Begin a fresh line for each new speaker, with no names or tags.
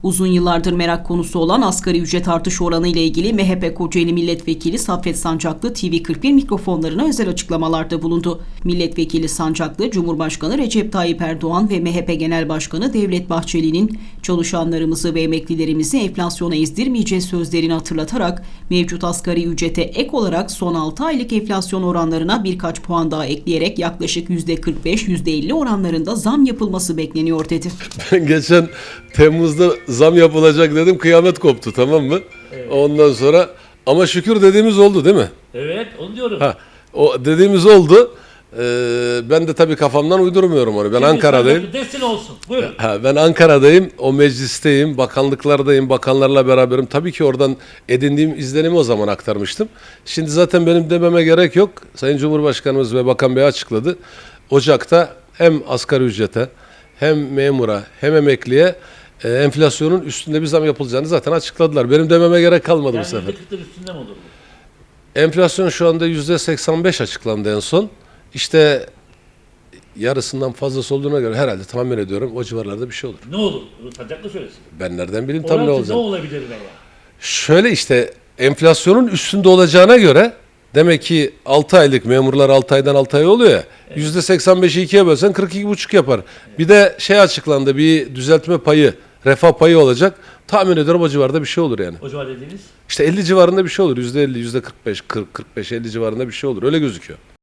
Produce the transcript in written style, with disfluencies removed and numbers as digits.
Uzun yıllardır merak konusu olan asgari ücret artış oranı ile ilgili MHP Kocaeli Milletvekili Saffet Sancaklı TV41 mikrofonlarına özel açıklamalarda bulundu. Milletvekili Sancaklı, Cumhurbaşkanı Recep Tayyip Erdoğan ve MHP Genel Başkanı Devlet Bahçeli'nin çalışanlarımızı ve emeklilerimizi enflasyona ezdirmeyeceğiz sözlerini hatırlatarak mevcut asgari ücrete ek olarak son 6 aylık enflasyon oranlarına birkaç puan daha ekleyerek yaklaşık %45-%50 oranlarında zam yapılması bekleniyor dedi.
Ben geçen Temmuz'da zam yapılacak dedim, kıyamet koptu, tamam mı? Evet. Ondan sonra ama şükür dediğimiz oldu değil mi?
Evet, onu diyorum.
O dediğimiz oldu. Ben de tabii kafamdan uydurmuyorum onu. Ben
Şimdi
Ankara'dayım.
Desin olsun. Buyurun.
Ben Ankara'dayım, o meclisteyim, bakanlıklardayım, bakanlarla beraberim. Tabii ki oradan edindiğim izlenimi o zaman aktarmıştım. Şimdi zaten benim dememe gerek yok. Sayın Cumhurbaşkanımız ve Bakan Bey açıkladı. Ocak'ta hem asgari ücrete, hem memura, hem emekliye enflasyonun üstünde bir zam yapılacağını zaten açıkladılar. Benim dememe gerek kalmadı bu sefer.
%40'ın üstünde mi olur bu?
Enflasyon şu anda %85 açıklandı en son. İşte yarısından fazlası olduğuna göre herhalde tahmin ediyorum o civarlarda bir şey olur.
Ne olur? Sancaklı söylesin.
Ben nereden bileyim tam ne olacak?
Ne olabilir veya?
Şöyle işte enflasyonun üstünde olacağına göre demek ki 6 aylık memurlar 6 aydan 6 ay oluyor ya. Evet. %85'i 2'ye bölsen 42,5 yapar. Evet. Bir de şey açıklandı, bir düzeltme payı, refah payı olacak. Tahmin ediyorum o civarda bir şey olur yani.
O civar dediğiniz?
İşte 50 civarında bir şey olur. %50, %45, 40, 45, 50 civarında bir şey olur. Öyle gözüküyor.